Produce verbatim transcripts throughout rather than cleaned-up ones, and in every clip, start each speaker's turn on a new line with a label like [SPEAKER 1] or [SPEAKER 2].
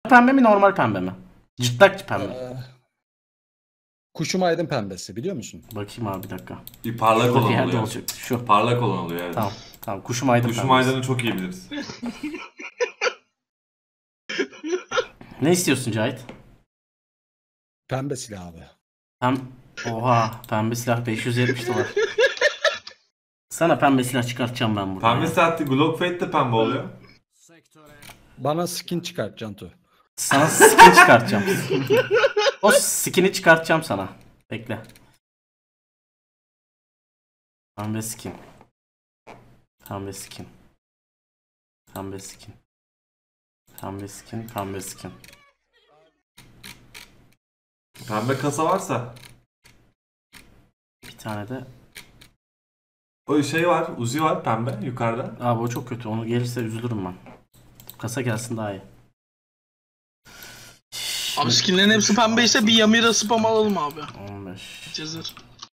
[SPEAKER 1] pembe mi normal pembe mi? Çıtlak pembe.
[SPEAKER 2] Ee, Kuşum aydın pembesi biliyor musun?
[SPEAKER 1] Bakayım abi bir dakika.
[SPEAKER 3] Bir parlak
[SPEAKER 1] Şurada bir
[SPEAKER 3] olan
[SPEAKER 1] yerde
[SPEAKER 3] oluyor.
[SPEAKER 1] olacak. Şu.
[SPEAKER 3] Parlak olan oluyor evet.
[SPEAKER 1] Tamam. Tamam. Kuşum aydın
[SPEAKER 3] Kuşum
[SPEAKER 1] pembesi.
[SPEAKER 3] aydını çok iyi biliriz.
[SPEAKER 1] Ne istiyorsun Cahit?
[SPEAKER 2] Pembe silah abi.
[SPEAKER 1] Pem... Oha. Pembe silah beş yüz yetmiş dolar. Sana pembe silah çıkartacağım ben burada.
[SPEAKER 3] Pembe saatte Glock Fate de pembe oluyor.
[SPEAKER 2] Bana skin çıkart Cantu.
[SPEAKER 1] Sana skin çıkartacağım. O skin'i çıkartacağım sana. Bekle. Pembe skin. Pembe skin. Pembe skin. Pembe skin. Pembe skin.
[SPEAKER 3] Pembe kasa varsa.
[SPEAKER 1] Bir tane de.
[SPEAKER 3] O şey var, Uzi var pembe yukarıda.
[SPEAKER 1] Abi o çok kötü. Onu gelirse üzülürüm ben. Kasa gelsin daha iyi.
[SPEAKER 4] Abi skinlerin hepsi pembeyse bir Yamira spam alalım abi.
[SPEAKER 1] on beş.
[SPEAKER 4] Cezir.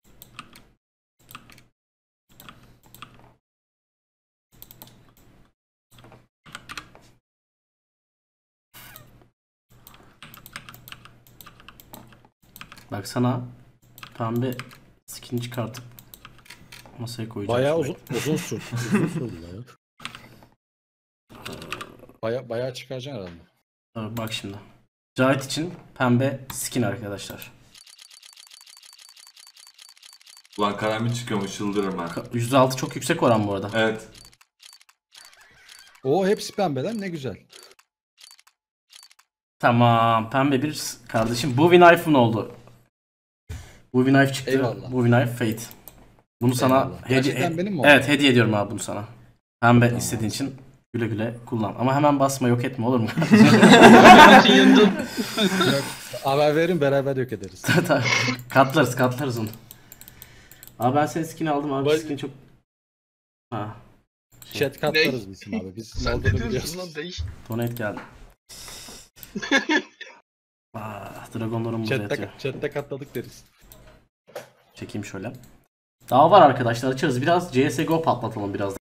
[SPEAKER 1] Bak sana pembe skin çıkartıp masaya koyacağım.
[SPEAKER 2] Bayağı
[SPEAKER 1] şuraya.
[SPEAKER 2] uzun uzun sürdü. Uzun sürdü ya. Baya bayağı çıkaracaksın herhalde.
[SPEAKER 1] Tabii bak şimdi. Cahit için pembe skin arkadaşlar.
[SPEAKER 3] Ulan karanlık çıkıyormuş çıldırırım ben.
[SPEAKER 1] Ka- yüzde altı çok yüksek oran bu arada.
[SPEAKER 3] Evet.
[SPEAKER 2] O hepsi pembeden ne güzel.
[SPEAKER 1] Tamam. Pembe bir kardeşim. Bowie Knife'ın oldu. Bowie Knife çıktı.
[SPEAKER 2] Eyvallah.
[SPEAKER 1] Bowie Knife Fate. Bunu sana
[SPEAKER 2] Eyvallah.
[SPEAKER 1] hediye
[SPEAKER 2] Gerçekten benim mi oldu?
[SPEAKER 1] Evet, hediye ediyorum abi bunu sana. Pembe
[SPEAKER 2] Tamam.
[SPEAKER 1] istediğin için güle güle kullan. Ama hemen basma, yok etme, olur mu?
[SPEAKER 4] Yandım.
[SPEAKER 2] Haber verin beraber yok ederiz.
[SPEAKER 1] katlarız katlarız onu. Abi ben senin skin'i aldım abi.
[SPEAKER 2] Vay-
[SPEAKER 1] Skin çok... Ha.
[SPEAKER 2] Chat katlarız bizim abi. Biz
[SPEAKER 4] Sen
[SPEAKER 2] olduğunu
[SPEAKER 4] ne diyorsun
[SPEAKER 2] biliyoruz.
[SPEAKER 4] lan değiş.
[SPEAKER 1] Donate geldi. Ah, dragonlarım burada yatıyor.
[SPEAKER 2] Chatte, chatte katladık deriz.
[SPEAKER 1] Çekeyim şöyle. Daha var arkadaşlar, açarız. Biraz C S G O patlatalım biraz.